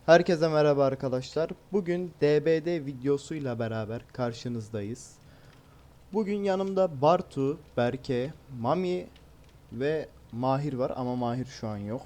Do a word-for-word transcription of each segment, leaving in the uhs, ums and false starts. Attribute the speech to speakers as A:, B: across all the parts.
A: Herkese merhaba arkadaşlar. Bugün D B D videosuyla beraber karşınızdayız. Bugün yanımda Bartu, Berke, Mami ve Mahir var ama Mahir şu an yok.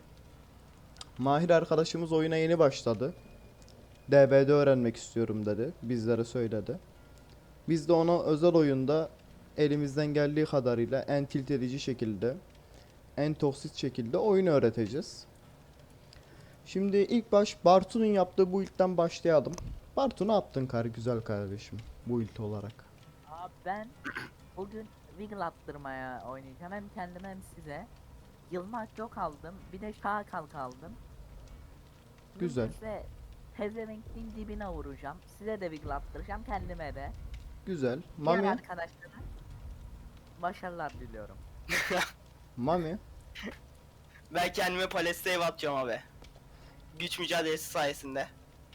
A: Mahir arkadaşımız oyuna yeni başladı. D B D öğrenmek istiyorum dedi. Bizlere söyledi. Biz de ona özel oyunda elimizden geldiği kadarıyla en tilt edici şekilde, en toksit şekilde oyunu öğreteceğiz. Şimdi ilk baş Bartu'nun yaptığı bu ilkten başlayalım. Bartu ne yaptın kar güzel kardeşim bu ilk olarak?
B: Abi ben bugün Wiggle attırmaya oynayacağım. Hem kendime hem size. Yılmak yok aldım. Bir de şaha kalk aldım.
A: Güzel.
B: Mümkünse pezevenkliğin dibine vuracağım. Size de Wiggle attıracağım, kendime de.
A: Güzel.
B: Diğer
A: Mami,
B: arkadaşlara başarılar diliyorum.
A: Mami,
C: Ben kendime Palestine atacağım abi. Güç mücadelesi sayesinde.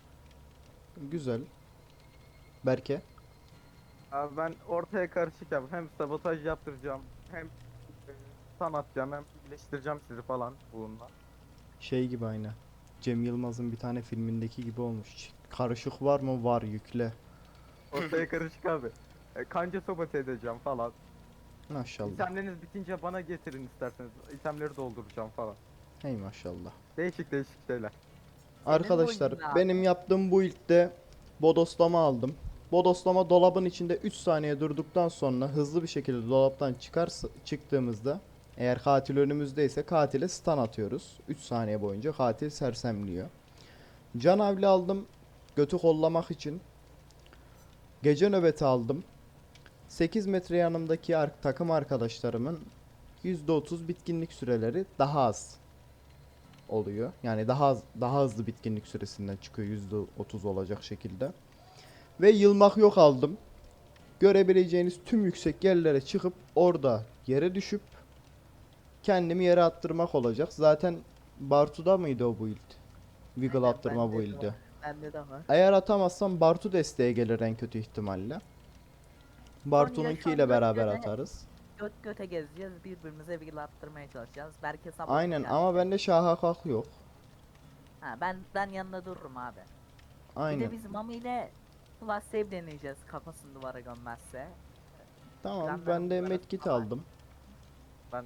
A: güzel. Berke,
D: Abi ben ortaya karışık yap. Hem sabotaj yaptıracağım, hem e, sanatacağım, hem iyileştireceğim sizi falan bununla.
A: şey gibi aynı. Cem Yılmaz'ın bir tane filmindeki gibi olmuş. Karışık var mı? Var, yükle.
D: Ortaya karışık abi. E, kanca sabote edeceğim falan.
A: Maşallah.
D: İtemleriniz bitince bana getirin isterseniz. İtemleri dolduracağım falan.
A: Hey maşallah.
D: Değişik değişik şeyler.
A: Arkadaşlar
B: oyunun abi.
A: benim yaptığım bu ilkte bodoslama aldım. Bodoslama dolabın içinde üç saniye durduktan sonra hızlı bir şekilde dolaptan çıkarsa, çıktığımızda eğer katil önümüzdeyse katile stun atıyoruz. üç saniye boyunca katil sersemliyor. Canavli aldım götü kollamak için. Gece nöbeti aldım. sekiz metre yanımdaki ar- takım arkadaşlarımın yüzde otuz bitkinlik süreleri daha az oluyor. Yani daha az, daha hızlı bitkinlik süresinden çıkıyor yüzde otuz olacak şekilde. Ve yılmak yok aldım. Görebileceğiniz tüm yüksek yerlere çıkıp orada yere düşüp kendimi yere attırmak olacak. Zaten Bartu'da mıydı o build? Wiggle
B: Aynen,
A: attırma
B: bende de
A: build'i.
B: var. Bende de var.
A: Eğer atamazsam Bartu desteğe gelir en kötü ihtimalle.
B: Konuya şu
A: Bartu'nunkiyle
B: an göt
A: beraber
B: göte,
A: atarız.
B: göt göte gezeceğiz. Birbirimize Wiggle attırmaya çalışacağız. Belki sabah
A: Aynen ama bende şaha kalk yok.
B: Ha, ben ben yanında dururum abi. Bir
A: Aynen.
B: de biz Mami ile Plus Save deneyeceğiz, kafasını duvara gömmezse.
A: Tamam ben
B: Planlarımız
A: de
B: var
A: medkit
B: ama.
A: aldım.
D: Ben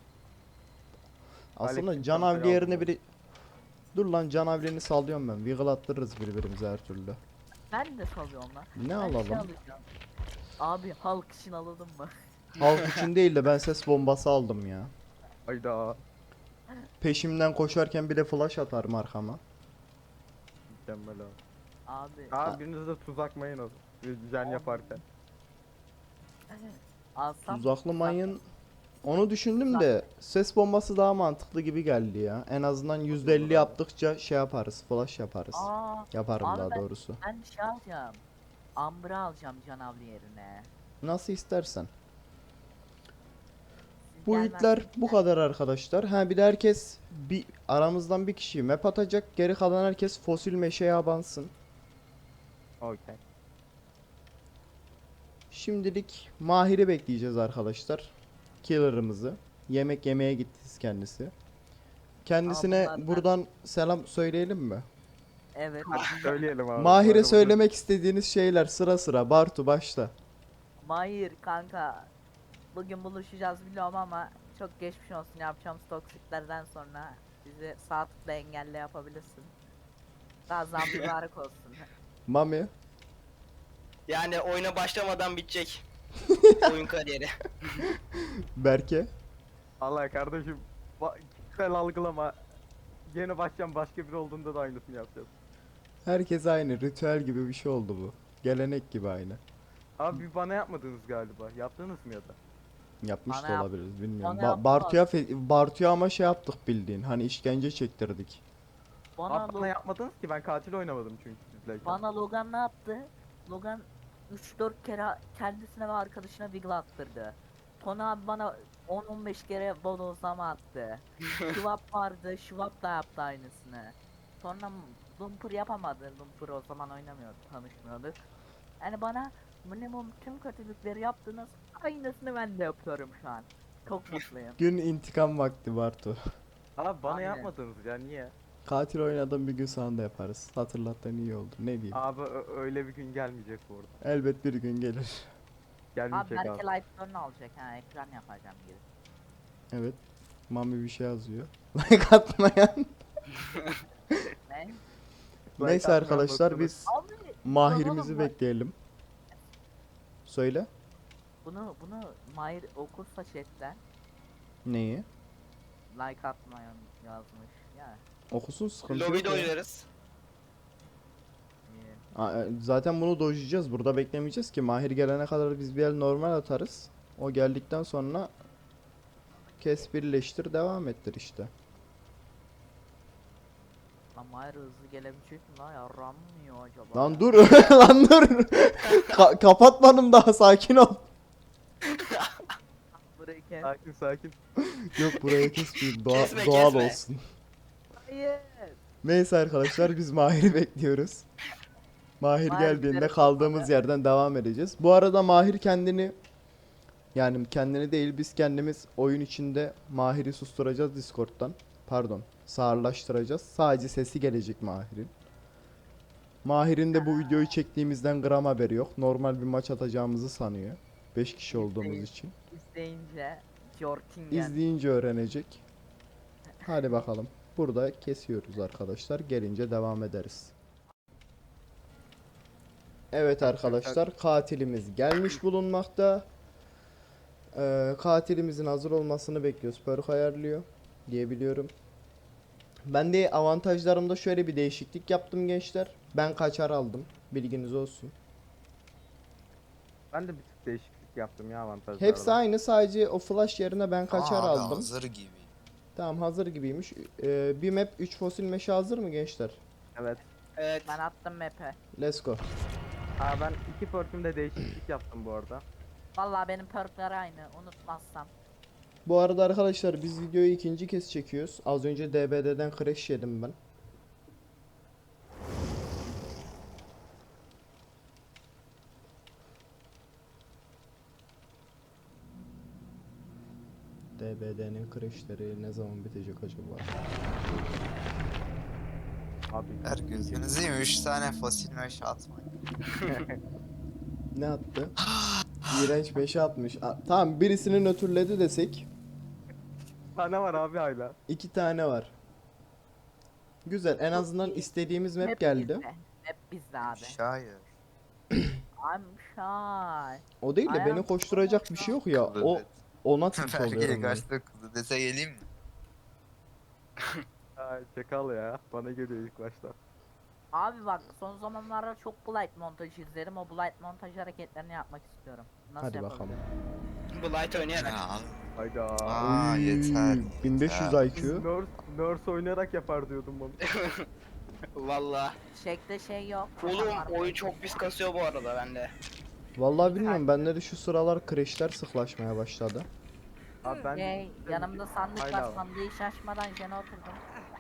A: Aslında
D: Aleyküm
A: canavli
D: selam
A: yerine
D: aldım.
A: biri... Dur lan canavlini sallıyorum ben. Wiggle attırırız birbirimize her türlü.
B: Ben de salıyorum lan.
A: Ne
B: Ben
A: alalım?
B: şey alacağım. Abi halk için alalım mı?
A: Halk için değil de ben ses bombası aldım ya.
D: Hayda.
A: Peşimden koşarken bir de flash atarım arkama.
D: Mükemmel abi.
B: Abi.
D: Abi biriniz de tuzakmayın o. Jen yaparken.
B: Alsam.
A: Tuzaklı mayın... Onu düşündüm de ses bombası daha mantıklı gibi geldi ya. En azından yüzde elli yaptıkça şey yaparız, flash yaparız.
B: Aa.
A: Yaparım
B: Abi
A: daha
B: ben,
A: doğrusu.
B: ben şey alacağım. Ambra alacağım canavli yerine.
A: Nasıl istersen.
B: Siz
A: Bu ilkler
B: gelmezseniz
A: bu
B: ben-
A: kadar arkadaşlar. Ha bir de herkes bir aramızdan bir kişi map atacak. Geri kalan herkes fosil meşeye abansın.
D: Okey.
A: Şimdilik Mahir'i bekleyeceğiz arkadaşlar. Killer'ımızı. Yemek yemeye gitti kendisi. Kendisine
B: bunlardan-
A: buradan selam söyleyelim mi?
B: Evet.
D: Söyleyelim abi.
A: Mahir'e
D: Böyle
A: söylemek istediğiniz şeyler sıra sıra. Bartu başla.
B: Mahir kanka. Bugün buluşacağız biliyorum ama çok geçmiş olsun, yapacağımız toksiklerden sonra bizi sağ tıkla engelle yapabilirsin. Gazan mübarek olsun.
A: Mami.
C: Yani oyuna başlamadan bitecek. Oyun kariyeri.
A: Berke.
D: Allah kardeşim, ba- kişisel algılama. Yeni başlayan başka biri olduğunda da aynısını yapacağız.
A: Herkes aynı. Ritüel gibi bir şey oldu bu. Gelenek gibi aynı.
D: Abi bir bana yapmadınız galiba. Yaptınız mı ya da?
A: Yapmış
B: Bana
A: da
B: yap-
A: olabiliriz bilmiyorum.
B: bana
A: Ba-
B: yaptılar.
A: Bartu'ya fe- Bartu'ya ama şey yaptık bildiğin. Hani işkence çektirdik.
B: Bana,
D: Abi bana
B: Lo-
D: yapmadınız ki, ben katil oynamadım çünkü sizleyken.
B: bana Logan ne yaptı? Logan üç dört kere kendisine ve arkadaşına wiggle attırdı. Tony abi bana on on beş kere bodozlama attı. Şivap vardı, Şivap da yaptı aynısını. Sonra Lumpur yapamadı. Lumpur o zaman oynamıyordu, tanışmıyorduk. Yani bana minimum tüm kötülükleri yaptınız. Aynısını ben de yapıyorum şu an. Çok mutluyum.
A: Gün intikam vakti Bartu.
D: Abi bana
B: Aynen.
D: yapmadınız ya, niye?
A: Katil oynadığım bir gün sana da yaparız. Hatırlattığın iyi oldu. Ne diyeyim.
D: Abi ö- öyle bir gün gelmeyecek bu arada.
A: Elbet bir gün gelir.
B: Abi
D: Gelmeyecek abi.
B: belki live alacak ha, ekran yapacağım gibi.
A: Evet. Mami bir şey yazıyor. Like atmayan.
B: Ne?
A: Neyse
D: atmayan
A: arkadaşlar
D: noktalık.
A: biz
B: Abi
A: Mahir'imizi
B: oğlum bak-
A: bekleyelim. Söyle.
B: bunu bunu Mahir okursa chatten
A: Neyi?
B: like atmayan yazmış ya.
A: Okusun, sıkıntı yok
C: Lobide
A: ya.
C: oynarız.
B: iyi.
A: Aa, e, Zaten bunu dojlayacağız. Burada beklemeyeceğiz ki. Mahir gelene kadar biz bir el normal atarız. O geldikten sonra kes, birleştir, devam ettir işte.
B: Lan Mahir hızlı gelebilecek mi lan, yarram mı yiyor acaba?
A: Lan dur. Lan dur. Ka- kapatmadım daha, sakin ol.
B: Burayı kes.
D: Sakin sakin.
A: Yok, buraya kesmeyeyim. Doğa-
C: Kesme,
A: doğal
C: kesme.
A: olsun.
B: Hayır.
A: Neyse arkadaşlar biz Mahir'i bekliyoruz. Mahir
B: Mahir
A: geldiğinde
B: giderek
A: kaldığımız
B: olmadı.
A: yerden devam edeceğiz. Bu arada Mahir kendini, yani kendini değil, biz kendimiz oyun içinde Mahir'i susturacağız Discord'dan. Pardon, sağırlaştıracağız. Sadece sesi gelecek Mahir'in. Mahir'in de bu videoyu çektiğimizden gram haberi yok. Normal bir maç atacağımızı sanıyor. beş kişi olduğumuz
B: İzleyin.
A: için.
B: İzleyince Jorkingen.
A: İzleyince öğrenecek. Hadi bakalım. Burada kesiyoruz arkadaşlar. Gelince devam ederiz. Evet arkadaşlar, katilimiz gelmiş bulunmakta. Ee, katilimizin hazır olmasını bekliyoruz. Perk ayarlıyor diyebiliyorum. Ben de avantajlarımda şöyle bir değişiklik yaptım gençler. Ben kaçar aldım. Bilginiz olsun.
D: Ben de bir tık değişiklik yaptım ya avantajlarla.
A: Hepsi aynı, sadece o flash yerine ben kaçar
E: Aa, abi
A: aldım.
E: hazır gibi.
A: Tamam, hazır gibiymiş. Ee, bir map üç fosil meşe hazır mı gençler?
D: Evet.
C: Evet.
B: Ben attım map'e.
A: Let's go.
D: Aa ben iki perk'ümde değişiklik yaptım bu arada.
B: Vallahi benim perkler aynı, unutmazsam.
A: Bu arada arkadaşlar biz videoyu ikinci kez çekiyoruz. Az önce D B D'den crash yedim ben. D B D'nin crashleri ne zaman bitecek acaba?
D: Abi.
E: Her gözünüzü yiyeyim, üç tane fosil meşe atmayın.
A: Ne attı? İğrenç beşe atmış. A- tamam, birisini nötrledi desek.
D: Tane var abi hala.
A: iki tane var. Güzel, en azından
B: iyi.
A: istediğimiz map
B: Map
A: geldi.
B: bizde. Map bizde abi.
E: Şair.
B: I'm shy.
A: O değil de
B: Ayağım-
A: beni koşturacak bir şey yok ya. O ona tilt
E: Belki
A: oluyorum ben.
E: kaçtı kızı dese geleyim mi?
D: Ay çakal ya. Bana geliyor ilk başta.
B: Abi bak, son zamanlarda çok Blight montaj izlerim. O Blight montaj hareketlerini yapmak istiyorum. Nasıl
A: Hadi bakalım.
B: yapabilirim?
C: Bu light oynayarak.
E: Ya,
D: Hayda.
E: aa
A: Uy,
E: yeter.
A: bin beş yüz
E: yeter.
A: I
D: Biz
A: Q.
D: nurse, nurse oynayarak yapar diyordum bunu.
C: Valla.
B: Şekte şey yok.
C: Oğlum
B: Var.
C: oyun çok pis kasıyor bu arada bende.
A: Vallahi bilmiyorum, bende de şu sıralar crashler sıklaşmaya başladı.
D: Abi ben
B: Şey, yanımda sandık
D: Hala
B: var.
D: var.
B: Sandığı şaşmadan jene oturdum.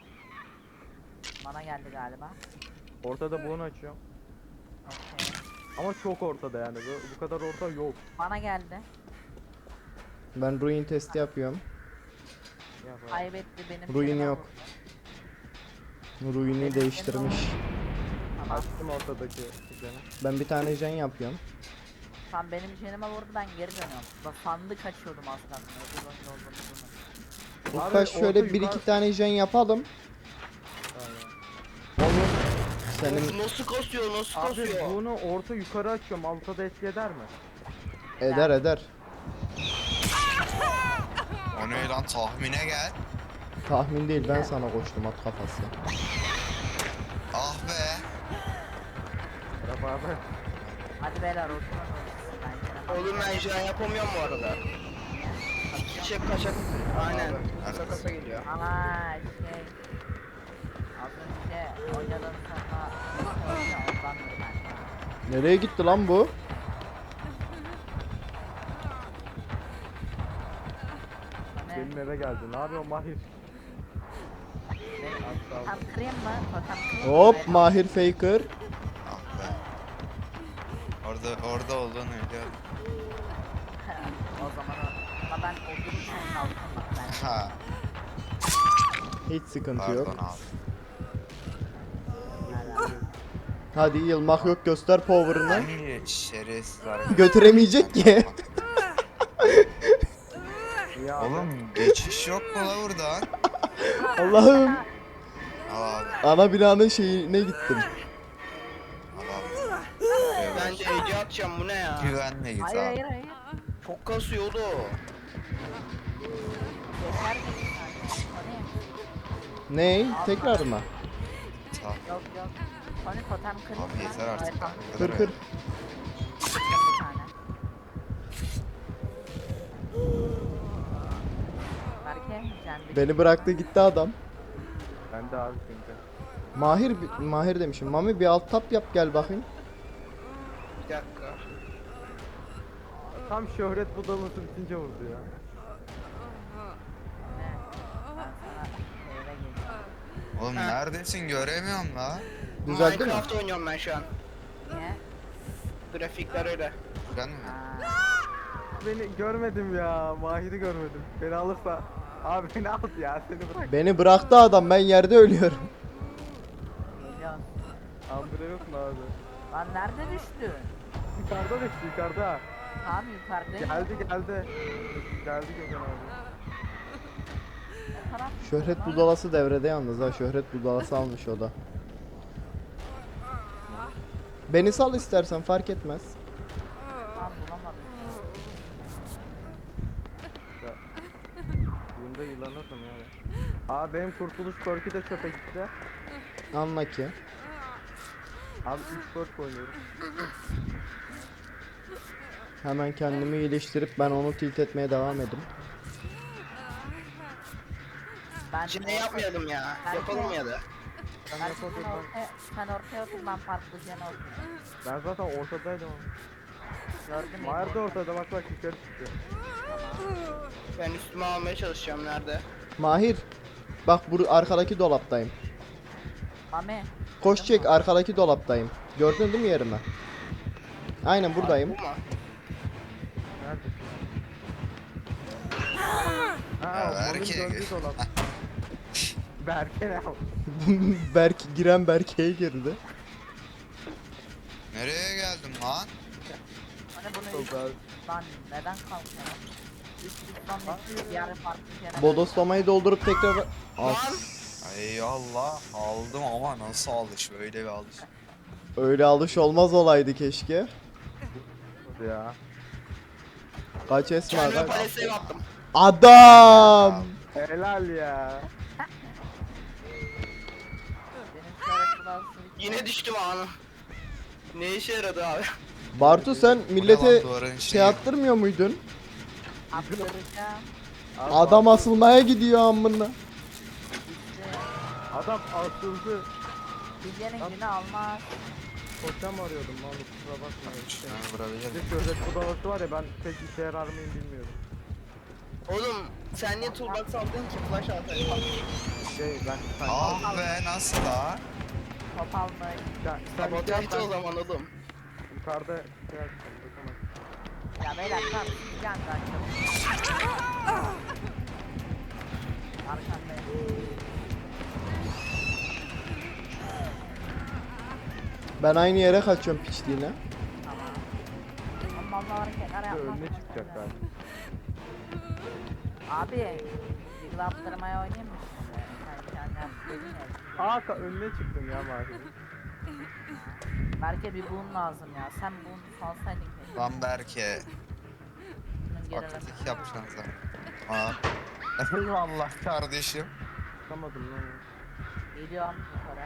B: Bana geldi galiba.
D: ortada bunu açıyorum.
B: Okey.
D: Ama çok ortada yani. Bu, bu kadar orta yok.
B: Bana geldi.
A: Ben ruin testi yapıyorum.
D: Ya bak.
B: Kaybetti benim.
A: Ruin
B: jenime
A: yok.
B: vurdu.
A: Ruin'i değiştirmiş.
B: Tamam.
D: Açtım ortadaki düzeni.
A: Ben bir tane gen yapıyorum.
B: Tam benim jenime vurdu, ben geri dönüyorum. Bak sandık açıyordum az kalsın. Ödül oyunu olduğunu bunu.
D: Abi,
A: Ulkaş şöyle
D: orta
A: bir
D: yukarı-
A: iki tane gen yapalım.
D: Aynen.
A: Olur. Senin
C: Of, nasıl kasıyor nasıl
D: Abi
C: kasıyor.
D: bunu orta yukarı açıyorum. Altta da etki eder mi?
A: eder eder.
E: O ne lan, tahmine gel.
A: Tahmin değil, ben sana koştum at kafası.
E: Ah be.
D: Merhaba abi.
B: Hadi beyler oturun. Ben jenime
C: Oğlum ben şu an yapamıyorum bu arada. Çiçek kaçak. Aynen. Kasa kasa geliyor.
B: Ama şey... Az önce oynadığım sonra... Ondandır ben.
A: Nereye gitti lan bu?
B: Ne?
D: Benim eve geldi. Ne yapıyor Mahir?
B: Totem kırayım mı? Totem kırayım mı?
A: Hop,
B: Beyler?
A: Mahir Faker.
E: Ah be. Orada orada olduğunu biliyorum.
B: O zaman o. Ama ben otururken kalktım bak ben.
E: Ha.
A: Hiç sıkıntı
E: Pardon
A: yok.
E: abi.
A: Hadi yılmak yok, göster power'ını.
E: Hangi şerefsiz arkadaş?
A: Götüremeyecek ki.
D: İyi abi.
E: Oğlum geçiş yok mu la buradan?
A: Allah'ım.
E: Al abi.
A: Ana binanın şeyine gittim.
E: Al abi.
C: Ben de Ece atacağım, bu ne ya?
E: Güvenle git
B: Hayır
E: abi.
B: hayır hayır.
C: Çok kasıyordu.
B: Yeter mi bir saniye? Tony.
A: Ney? Tekrar mı?
E: Sağ.
B: Yok yok. Tony totem kırayım
E: Abi
B: mı?
E: yeter artık.
B: Evet, tamam.
E: Bu
A: Kır
E: kadar
A: kır.
B: Bir tane. Berke sen bir
A: Beni bıraktı gitti adam.
D: Ben de abi şimdi.
A: Mahir, Mahir demişim. Mami bir alt tap yap gel bakayım.
C: Bir dakika.
D: Tam şöhret budalaması bitince vurdu ya.
B: ne? Ben sana eve geleceğim.
E: Oğlum
C: Ha.
E: neredesin göremiyorum la.
A: Düzeldi mi?
C: Minecraft oynuyorum ben şu an.
B: Niye?
C: Grafikler öyle.
E: Ben mi?
B: Ha.
D: Beni görmedim ya. Mahir'i görmedim. Beni alırsa. Abi beni al ya. Seni bırak.
A: Beni bıraktı adam, ben yerde ölüyorum.
B: Geliyorum.
D: Ambre yok mu abi?
B: Lan nerede düştün?
D: Yukarıda düştü yukarıda.
B: Tam yukarıdayım.
D: Geldi geldi. Geldi Gökhan abi.
B: Ne taraf?
A: Şöhret budalası devrede yalnız ha. Şöhret budalası almış o da. Beni sal istersen, fark etmez.
B: Tam bulamadım.
D: Bunda yılanırdım yani. Abi benim kurtuluş korku da çöpe gitti.
A: Anla ki.
D: Abi üç dört oynuyorum.
A: Hemen kendimi iyileştirip ben onu tilt etmeye devam edeyim.
B: Ben
C: Cine yapmayalım ya.
B: Ben-
C: Yapalım ya da.
D: Sen
B: Ben
D: yapalım
B: sen
D: ben.
B: ortaya, sen ortaya otur, ben farklı cene oturayım.
D: Ben zaten ortadaydım.
B: Gördün mü?
D: Mahir de ortada bak bak yukarı çıktı.
C: Ben üstüme almaya çalışacağım, nerede?
A: Mahir. Bak bu arkadaki dolaptayım.
B: Mami.
A: Koş çek, arkadaki dolaptayım. Gördün değil mi yerimi? Aynen buradayım.
C: Bu mu?
D: Neredesin?
E: Ya
D: Ha,
E: Berke.
D: Berke. Döndü dolap. Berke ne yaptı?
A: Berk giren Berke'ye girdi.
E: Nereye geldim lan?
B: Hani bunu üst, lan neden kalkıyor? Üst üstten bekliyor, bir ara farklı cene.
A: Bodoslamayı doldurup tekrar... As.
E: Ay Allah aldım ama nasıl alış böyle bir alış.
A: Öyle alış olmaz olaydı keşke.
D: Ya.
A: Kaç Esma
C: Kendime
A: kaç?
C: paleseye attım.
A: Adam!
D: Helal ya.
B: Benim şöyle kulağım
C: Yine düştüm anı. Ne işe yaradı abi?
A: Bartu sen
E: Bu ne
A: millete
E: lan, duvarın
A: şey
E: şeyi?
A: attırmıyor muydun?
B: attıracağım.
D: Abi
A: Adam asılmaya gidiyor amına.
B: İşte
D: Adam asıldı.
B: Bilge'nin günü almaz.
D: Totem arıyordum lan kusura bakma.
E: Şuna vurabilir
D: Bir
E: miyim?
D: de şöhret budalaması var ya ben pek işe yarar mıyım bilmiyorum.
C: Oğlum sen niye toolbox aldın ki? Flash atayım.
D: Şey ben sen
E: Ah be nasıl la?
B: Top almayı.
D: sen, sen şey yap,
C: Sabotajda o
D: ben
C: zaman oğlum.
D: yukarıda şey yapacağım. bakamam.
B: Ya beyler tamam. Bir anda açalım. Arkandayım.
A: Ben aynı yere kaçıyorum piçliğine.
B: Tamam. Ama Allah hareketler
D: Bir de
B: yapmaz.
D: önüne çıkacak galiba.
B: Abi. Bir laptırmaya oynayayım mı şimdi? Sen kendin dedin ya.
D: Aa ka- önüne çıktım ya Mahir'in.
B: Belki bir boom lazım ya. Sen boom salsaydın keşke.
E: Lan Berke.
B: Bunun geri
E: Fakirlik yapacaksın sen. Aa. Eyvallah kardeşim.
D: Çıkamadım lan.
B: Geliyorum yukarı.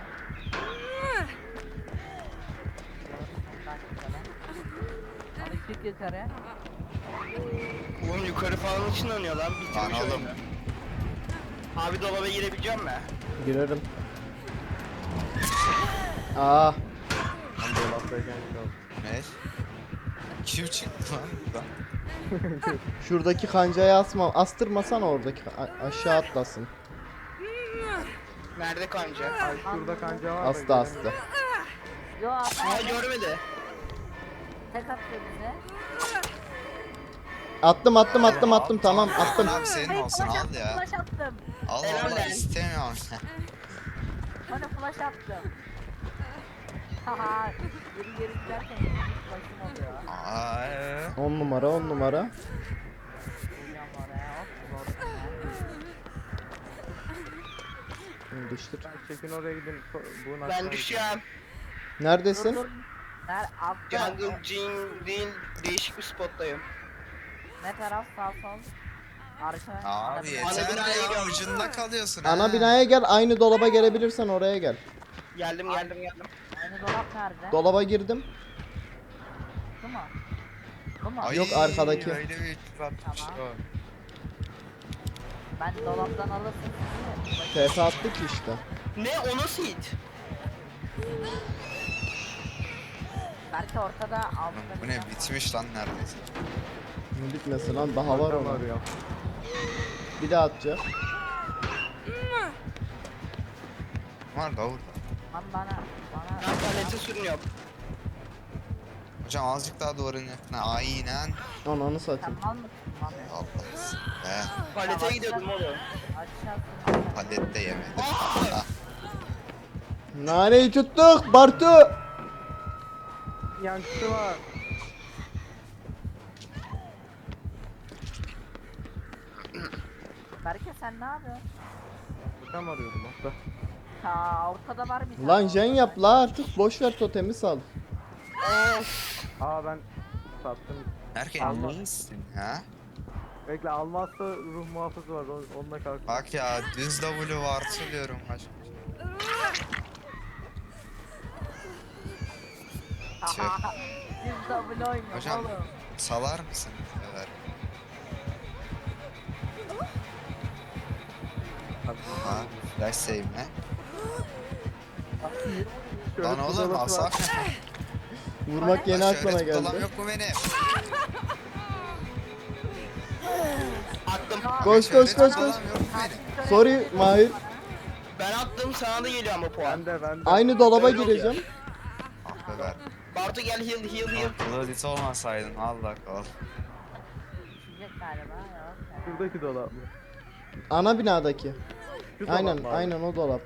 B: Bak yukarı. Alışık yukarı.
C: Oğlum yukarı falan ışınlanıyor lan.
E: Lan
C: Bitirmiş
E: oğlum.
C: oyunu. Abi dolaba girebileceğim mi?
A: Girerim. Aa,
D: Ben dolaptayken kaldım.
E: Ne? Kim çıktı lan buradan?
A: şuradaki kancayı asma, astırmasan oradaki a- aşağı atlasın.
C: Nerede kanca?
D: Ay şurada kanca var da
A: Astı
D: göremiyorum.
A: astı.
B: Yo
C: Aa
B: abi.
C: görmedi.
B: Tek atıyor bize.
A: Attım attım attım attım tamam attım.
E: Abi senin
B: Hayır,
E: olsun
B: flash
E: al
B: attım,
E: ya.
B: Flash attım.
E: Al
C: Helal
E: Allah
C: lan.
E: istemiyorum.
B: Bana flash attım. Haha. Geri geri giderken başım oluyor.
E: Aa, ee.
A: on numara on numara.
B: Geliyorum oraya hop. Zor.
A: Bunu düştür.
D: Ben çekin oraya gidin. so- Buğun
C: Ben
D: aşağıya
C: düşeceğim.
B: Dur
A: Neredesin?
B: dur. Ner altta.
C: Jungle Gene değil değişik bir spottayım.
B: Ne taraf sağ sol? Arka.
E: Abi
B: ana bina.
C: Ana
E: yeter
C: binaya
E: ya
C: gidiyorum.
E: ucunda kalıyorsun
A: Ana
E: ha.
A: binaya gel, aynı dolaba gelebilirsen oraya gel.
C: Geldim geldim geldim.
B: Aynı dolap nerede?
A: Dolaba girdim.
B: Bu mu? Bu mu?
E: Ay,
A: Yok, arkadaki.
E: Öyle bir atmış
B: Tamam.
E: o.
B: Ben dolaptan alırsın sizi.
A: T F attık işte.
C: Ne o nasıl hit?
B: Belki ortada altında
E: Bu
B: bir
E: ne
B: tane var.
E: bitmiş lan neredeyse.
A: Ne bitmesin lan, daha var
D: Tam
A: ona.
D: arıyorum.
A: Bir daha atacak.
E: Var da orada.
B: Lan bana. Bana.
C: Ben palete sürünüyorum.
E: Hocam azıcık daha duvarın yakına. Aynen.
A: Ananı
B: Sen
A: satayım.
B: mal mısın lan?
E: Allah'ım. Be.
C: Palete gidiyordum oğlum.
B: Aşağısın.
E: Palet de yemedim.
C: Aa!
A: Naneyi tuttuk Bartu.
D: Yankısı var.
B: Berke sen ne yapıyorsun?
D: Tam arıyordum hatta.
B: Ha ortada var bir tane.
A: Lan jen yap la artık, boş ver totemi sal.
C: Of.
D: Aa ben sattım.
E: Erken
D: Allah.
E: iyisin ha?
D: Bekle almazsa ruh muhafızı var. on- Onunla kalk.
E: Bak ya düz W var söylüyorum başka. Tüh.
B: Biz double oynuyor
E: Hocam.
B: oğlum.
E: Salar mısın? Evet. Ha, flash save mi?
D: Şöyle
E: Lan oğlum
D: kudalası var.
E: asaf.
A: Vurmak yeni
E: Lan
A: aklına
E: şöhret dolam
A: geldi.
E: yok mu benim?
C: Attım.
A: Koş,
E: Şöhret
A: koş, koş,
E: dolam
A: koş.
E: yok mu benim?
A: Sorry Mahir.
C: Ben attım sana da geliyor ama puan.
D: Ben de ben de.
A: Aynı dolaba
C: Öyle oluyor.
A: gireceğim.
E: Ah be ver.
C: Bartu gel heal heal heal.
E: Bloodit olmasaydın Allah kal.
B: Düşecek galiba yok.
D: Şuradaki dolap mı?
A: Ana binadaki.
D: Şu dolap
A: Aynen
D: mı abi?
A: aynen o dolap.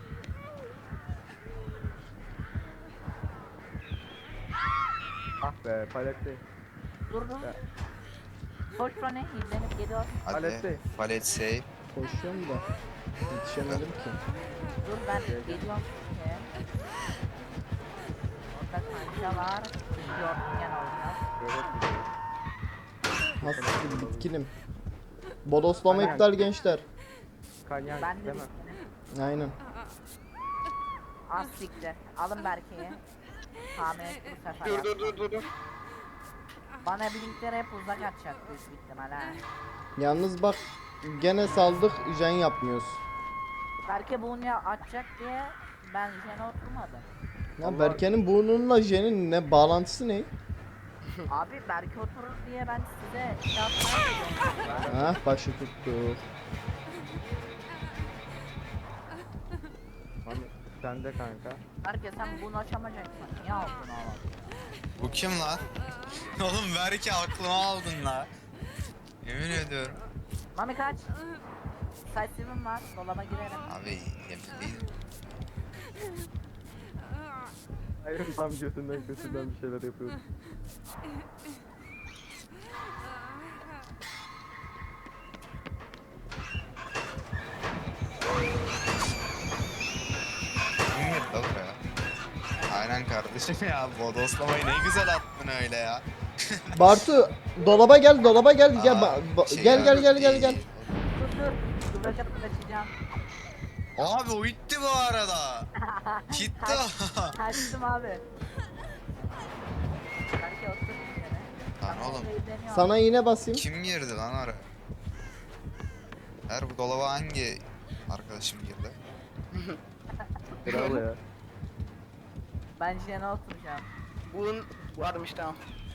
D: Ah be palette.
B: Dur dur.
D: Ya.
B: Koş bana izlenip geliyor.
E: Hadi.
D: Palette.
E: Palet save.
A: Koşuyorum da. Yetişemedim ki.
B: Dur ben geliyorum ki. Orada kanka var. Yortingen olacak.
D: Evet.
A: Hasıl bitkinim. Bodoslama
D: Aynen.
A: iptal gençler.
D: Kanyan
B: Ben de
D: değil mi?
B: bittim.
A: Aynen.
B: Az siktir. Alın Berke'yi. Tahmin ettim bu sefer.
C: Dur dur
B: yapma.
C: dur dur dur.
B: Bana blinkleri hep uzak atacak büyük ihtimal ha.
A: Yalnız bak, gene saldık, jen yapmıyoruz.
B: Berke bunu ya atacak diye ben jene oturmadım.
A: Ya Berke'nin burnunla jenin ne bağlantısı ne?
B: Abi Berke oturur diye ben size şey yapmaya gidiyorum.
A: Ha başı tuttu.
D: Hani sen de kanka.
B: Berke sen bunu açamayacaksın. Niye aldın oğlum?
E: Bu kim lan? Oğlum belki aklıma aldın la. Yemin ediyorum.
B: Mami kaç. Sightseeing var. Dolaba girerim.
E: Abi yemin değilim.
D: Hayır tam götünden götünden bir şeyler yapıyordu.
E: Kim girdi la buraya? Aynen kardeşim ya. Bodoslamayı ne güzel attın öyle ya.
A: Bartu dolaba gel, dolaba gel, gel
E: Aa,
A: ba- ba-
E: şey
A: gel gel
E: ya,
A: gel gel
E: değil.
A: gel.
B: Dur dur. Dur bakıp kaçacağım.
E: Abi o itti bu arada. Gitti o.
B: Kaçtım abi. Berke otur bir kere.
E: Lan
B: Ben
E: oğlum.
B: burada izleniyorum.
A: Sana iğne basayım.
E: Kim girdi lan oraya? Her bu dolaba hangi arkadaşım girdi?
D: Bravo ya.
B: Ben jene oturacağım.
C: Bunun varmış tamam.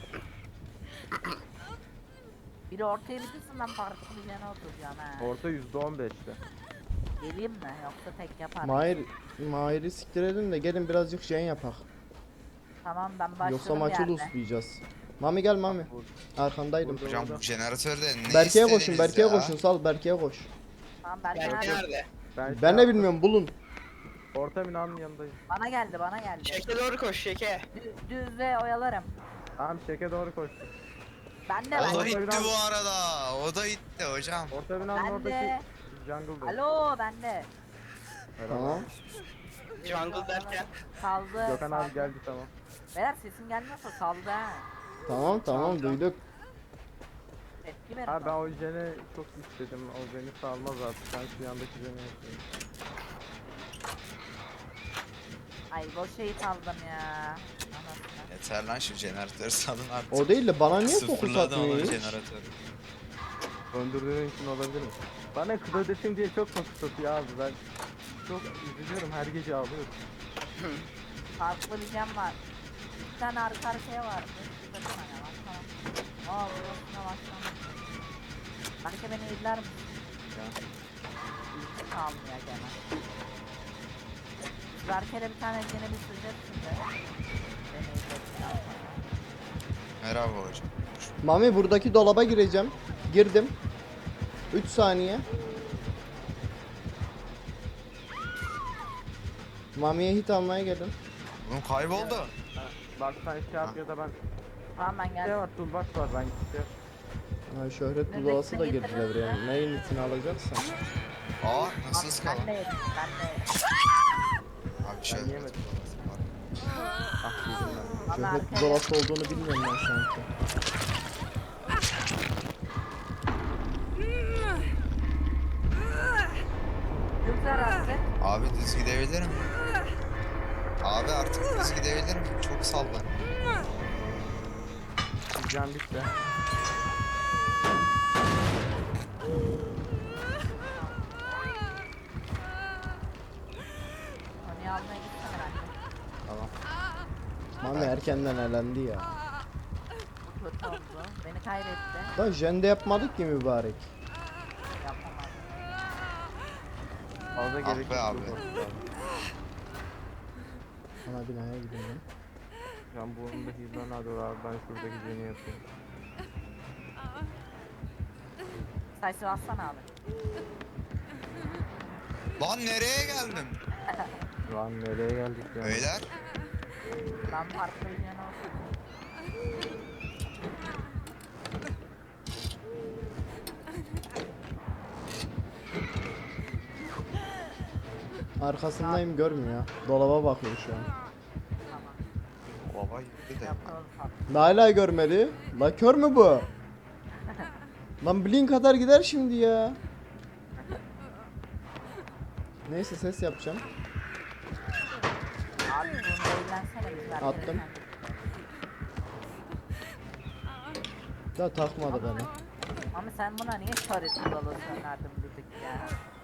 B: Biri ortaya bitirsin ben farklı bir jene oturacağım ha.
D: Orta yüzde on beşte.
B: Geleyim mi? Yoksa tek yapar.
A: Mahir, Mahir'i siktir edin de gelin birazcık jen yapak.
B: Tamam ben başladım
A: Yoksa maçı
B: yerde.
A: lootlayacağız. Mami gel Mami. Arkandaydım.
D: Burada.
E: Hocam bu jeneratörde ne
A: Berke'ye
E: istediniz
A: koşun, Berke'ye
E: ya?
A: koşun, sal Berke'ye koş.
B: Tamam Berke
C: Berke
B: nerede?
C: nerede?
D: Ben,
A: Ben de bilmiyorum, bulun.
D: Orta binanın yanındayım.
B: Bana geldi bana geldi.
C: Şeke doğru koş şeke.
B: Düz, düzle oyalarım.
D: Tamam şeke doğru koştum.
B: Ben de
E: O
B: ben
E: da
B: de.
E: itti
D: biraz-
E: bu arada. O da itti hocam.
D: Orta binanın
B: Ben
D: oradaki
B: de.
D: jungle'da.
B: Alo ben de.
A: Tamam.
C: Jungle derken.
B: Saldı.
D: Gökhan abi
B: saldı.
D: geldi tamam.
B: Beyler sesim gelmiyorsa saldı ha.
A: Tamam tamam duyduk.
B: Tepki verin.
D: Abi ben
B: bana.
D: o jene çok istedim. O beni salmaz artık. Ben şu yandaki jene yapayım.
B: Ay boş şeyi saldım ya. Anasını.
E: Yeter lan şu jeneratörü salın artık.
A: O değil de bana niye fokus
E: Sıfırladım
A: atmıyor
E: onun
A: hiç?
E: jeneratörü.
D: Döndürdüğün için olabilir mi? Bana kız ödesin diye çok fokus atıyor abi. Ben çok üzülüyorum. Her gece ağlıyorum.
B: Farklı bir cam var. Bir tane arka arkaya vardı. Bir bakın hani bak tamam. Aa burasına baksana. Belki beni izler misin?
D: Ya.
B: İlk almıyor gene. Berke'de bir tane gene bir süreceksin de. Beni izledikten sonra.
E: Merhaba hocam.
A: Mami buradaki dolaba gireceğim. Girdim. üç saniye. Mami'ye hit almaya gelin.
E: Oğlum kayboldu.
D: Ha, Bak sen şey yap ya da ben.
B: Tamam ben
D: Şey
B: geldim.
D: var toolbox var ben şey.
A: Ha, şöhret buzdolası da girdi devreye. Neyin hitini alacaksan.
E: Aa nasıl
B: Abi,
E: ıskala?
B: ben de yedim ben de yedim.
E: Abi şöyle.
D: Ben yemedim. Ah yedim ben.
B: Ama
A: Şöhret
B: arkaya
A: buzdolası olduğunu bilmiyorum ben sanki.
B: güzel artık.
E: Abi düz gidebilir mi? Abi artık düz gidebilir mi? Çok sallan.
D: Can bitti.
B: Onu almaya gitsin herhalde.
D: Tamam.
A: Mami erkenden elendi ya.
B: Bu kötü oldu. Beni kaybetti.
A: Lan jende yapmadık ki mübarek.
B: Yapamam.
D: Fazla
E: Ah
D: gerek
E: be
D: yok.
E: abi.
A: Ana binaya gidelim.
D: Can bunun da hizmen hadi abi ben şuradaki jeni yapayım.
B: Sayısı bassana abi.
E: Lan nereye geldim?
D: Lan nereye geldik ya?
E: Beyler.
B: Ben farklı bir yana olsun.
A: Arkasındayım görmüyor ya. Dolaba bakıyor şu an.
B: Tamam.
E: Baba gitti de.
B: Yapalım farklı.
A: Hala görmedi. La kör mü bu? Lan blink kadar gider şimdi ya. Neyse ses yapacağım.
B: Abi bunu eğlensene biz Berke'yle
A: Attım.
B: kendik.
A: Da takmadı beni.
B: Ama sen buna niye şöhret buzdolası önerdin dedik ya.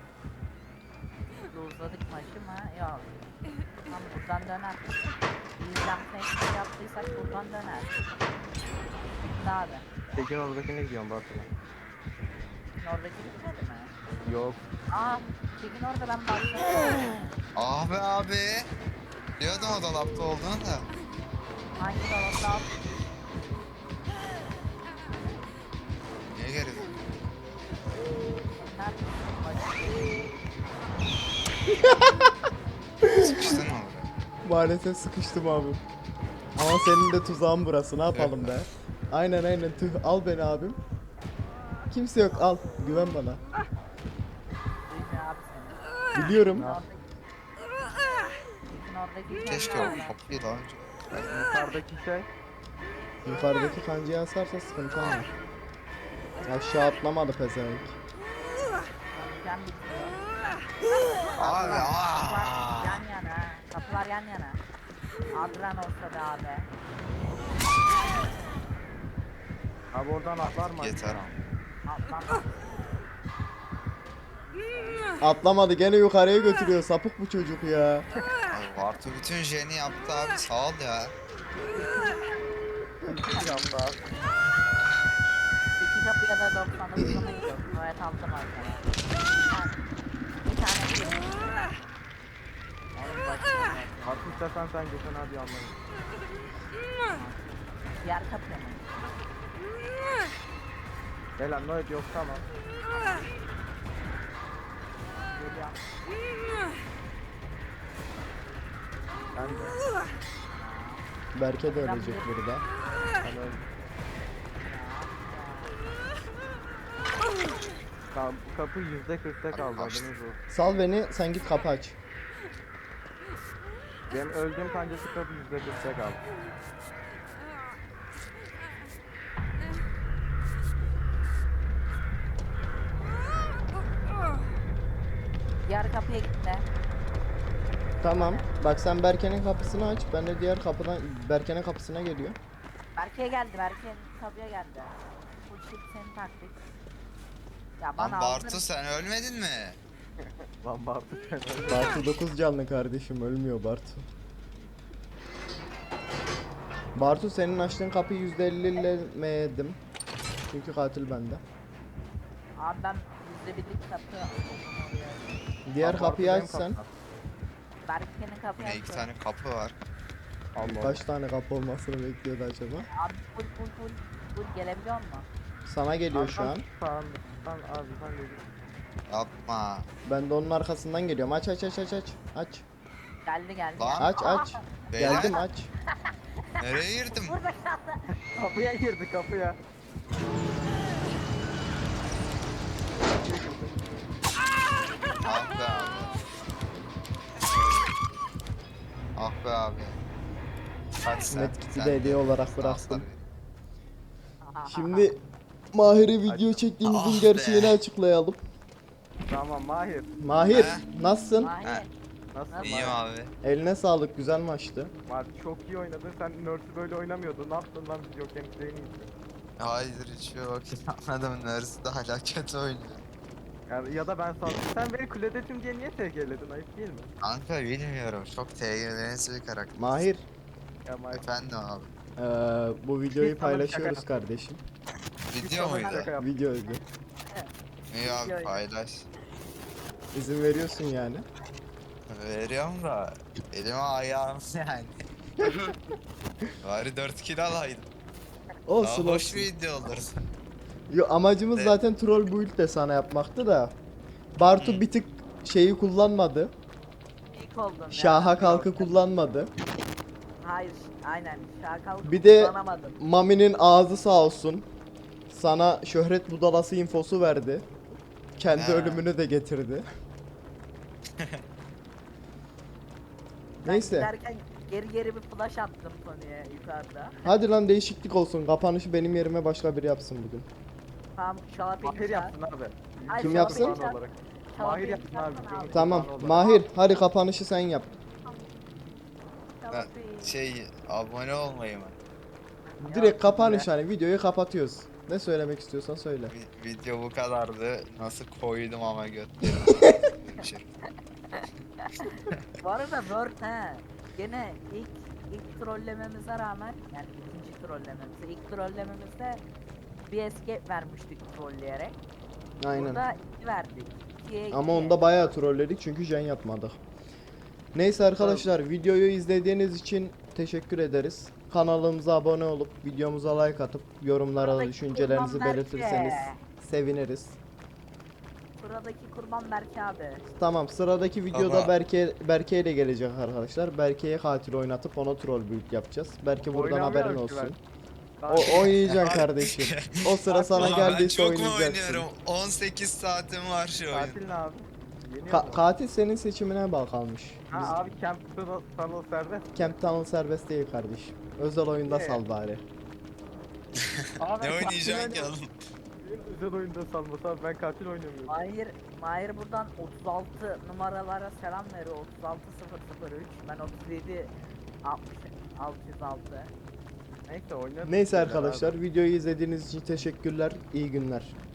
B: Uzadık maçı mı? Yok. Tam buradan döner. Bizden teknik yaptıysak buradan döner. Bitti abi.
D: Tekin oradakine gidiyorum Bartın'a.
B: Oradaki bitmedi mi?
D: Yok.
B: Aa, Tekin orada ben başladım.
E: Ah be abi. Biliyordum o dolapta olduğunu da.
B: Hangi dolapta al?
E: Niye geri döndün? Sıkıştın mı oraya?
A: Maalesef sıkıştım abi. Ama senin de tuzağın burası. Ne yapalım be? Aynen aynen. Tüh al beni abim. Kimse yok al. Güven bana.
B: Duymuyor abi seni.
A: Biliyorum.
B: Oradaki... Tekin oradaki
E: Keşke
B: kendi
E: o kapıyı daha önce.
D: Yukarıdaki şey.
A: Yukarıdaki kancayı asarsa sıkıntı olmaz. Aşağı atlamadı pezevenk.
B: Can bitiyor.
E: Abi
B: Kapılar
E: aaa.
B: yan yana. Kapılar yan yana. Adran olsa da abi.
D: Abi oradan atlar mı?
E: Yeter ama.
B: Atlan.
A: Atlamadı gene yukarıya götürüyor. Sapık bu çocuk ya.
E: Abi Bartu bütün jeni yaptı abi sağ ol ya.
D: Yaptı abi.
B: İki kapıya da doksan dokuzuna gidiyoruz. Gayet aldım arkadaşlar. Bir tane bir tane. Oğlum bakayım.
D: Artık istersen sen Gökhan abi anlayın.
B: Diğer kapıya mı?
D: Gel lan Noet yok tamam.
B: Geliyorum.
D: Ben de.
A: Berke de ölecek burada.
D: Ben öldüm. Tamam, kapı yüzde kırkta kaldı,
E: Açtım.
D: haberiniz olsun.
A: Sal beni, sen git kapı aç.
D: Benim öldüğüm kancası kapı yüzde kırkta kaldı.
B: Diğer kapıya gitti.
A: Tamam. Bak sen Berke'nin kapısını aç. Ben de diğer kapıdan Berke'nin kapısına geliyor.
B: Berke'ye geldi. Berke'nin kapıya geldi. Bu çift senin taktik. Ya
E: Lan
B: bana
E: Bartu
B: aldın.
E: sen ölmedin mi?
D: Lan Bartu sen öldün.
A: Bartu dokuz canlı kardeşim, ölmüyor Bartu. Bartu senin açtığın kapıyı yüzde ellilemedim. Çünkü katil bende.
B: Abi ben yüzde birlik kapı oraya.
A: Diğer
D: Lan Bartu
A: kapıyı
D: benim
A: aç sen.
D: kapım.
B: Berke'nin kapıyı
E: Yine iki
B: açtı.
E: tane kapı var.
D: Allah Allah.
A: Kaç tane kapı olmasını bekliyordu acaba?
B: Abi full full full full gelebiliyor musun?
A: Sana geliyor şu an.
D: Arkan sağında. Sen abi sen de git.
E: Yapma.
A: Ben de onun arkasından geliyorum. Aç aç aç aç aç. Aç.
B: Geldi geldi.
E: Lan.
A: Aç aç.
E: Beyler
A: Geldim aç.
E: nereye girdim?
B: Burada kaldı.
D: Kapıya girdi kapıya.
E: Ah be abi. Ah be abi. Kaç sen?
A: Medkit'i
E: Sen
A: de hediye olarak
E: Sağ
A: bıraktım.
E: tabii.
A: Şimdi Mahir'e video çektiğimizin
E: Ah
A: gerçeğini
E: be.
A: açıklayalım.
D: Tamam Mahir.
A: Mahir,
E: He?
A: nasılsın?
B: Hayır.
D: Nasıl
E: İyiyim
D: Mahir?
E: abi.
A: Eline sağlık, güzel maçtı.
D: Mahir çok iyi oynadın. Sen Nurse'ü böyle oynamıyordun. Ne yaptın lan biz yokken en iyisi.
E: Hayır hiç yok. Anladım. Neresi de hala kötü oynuyor.
D: Yani ya da ben sana... Sen beni kuledetim diye niye T G'ledin? Ayıp değil mi?
E: Kanka bilmiyorum. Çok T G V'si bir karakter.
A: Mahir,
D: Ya Mahir.
E: Efendim abi.
A: eee, bu videoyu
D: Biz sana bir şaka
A: paylaşıyoruz
D: yaptık.
A: kardeşim.
E: Video
D: Sana bir
E: muydu?
D: şaka yaptım.
A: Videoydu.
E: İyi abi
B: Video.
E: paylaş.
A: İzin veriyorsun yani.
E: Veriyorum da elime ayağım yani. Bari dört kill alaydım. Daha
A: Olsun
E: hoş
A: olsun.
E: bir video olur.
A: Yo, amacımız
E: Evet.
A: zaten troll build de sana yapmaktı da. Bartu
E: Hı.
A: bir tık şeyi kullanmadı.
B: İlk oldum ya.
A: Şaha kalkı kullanmadı.
B: Hayır, aynen. Şakal
A: Bir de-
B: kullanamadım.
A: Mami'nin ağzı sağ olsun. Sana şöhret budalası infosu verdi. Kendi
E: Ha.
A: ölümünü de getirdi.
B: Ben
A: Neyse.
B: giderken geri geri bir flash attım Tony'ye yukarıda.
A: Hadi lan değişiklik olsun. Kapanışı benim yerime başka biri yapsın bugün.
B: Tamam, Şalap'ı
D: Mahir yapsın abi.
B: Ay,
A: Kim
D: Videonun
A: yapsın?
D: kurbanı olarak. Mahir yapsın abi. videonun
A: Tamam.
D: kurbanı olarak.
A: Mahir, hadi kapanışı sen yap.
E: Ben şey abone olmayı mı?
A: Direkt kapanış hani videoyu kapatıyoruz. Ne söylemek istiyorsan söyle.
E: Vi- video bu kadardı. Nasıl koydum ama götlerim. Şey.
B: Bu arada Word he. Gene ilk ilk trollememize rağmen, yani ikinci trollememize, ilk trollememizde bir escape vermiştik trolleyerek.
A: Aynen.
B: Burada iki verdik. İkiye iki.
A: Ama onda bayağı trolledik çünkü jen yapmadık. Neyse arkadaşlar, videoyu izlediğiniz için teşekkür ederiz. Kanalımıza abone olup videomuza like atıp yorumlara
B: Buradaki
A: düşüncelerinizi
B: kurban
A: belirtirseniz
B: Berke.
A: seviniriz.
B: Buradaki kurban Berke abi.
A: Tamam, sıradaki videoda
E: Ama-
A: Berke Berke ile gelecek arkadaşlar. Berke'ye katil oynatıp ona troll build yapacağız. Berke buradan
D: Oynamıyorum
A: haberin
D: ki
A: olsun.
D: ben.
A: O oynayacaksın kardeşim. O sıra sana
E: Ulan ben
A: geldiyse
E: çok mu
A: oynayacaksın.
E: oynuyorum? on sekiz saatim var şu oyun.
D: Katil ne abi? Yeniyor
A: Ka-
D: mu?
A: katil senin seçimine bağlı kalmış. Biz
D: Ha abi Camp Tunnel- Tunnel serbest.
A: Camp Tunnel serbest değil kardeşim. Özel oyunda
D: Ne?
A: sal bari.
D: Abi
E: Ne
D: ben
E: oynayacaksın
D: katil
E: ki
D: oynuyorum.
E: oğlum?
D: Benim özel oyunda salması abi, ben katil oynamıyorum.
B: Mahir, Mahir buradan otuz altı numaralara selam veriyor. otuz altı sıfır sıfır üç. Ben otuz yedi altmış altı yüz altı.
D: Neyse oynarız.
A: Neyse
D: Güzel
A: arkadaşlar,
D: abi.
A: videoyu izlediğiniz için teşekkürler. İyi günler.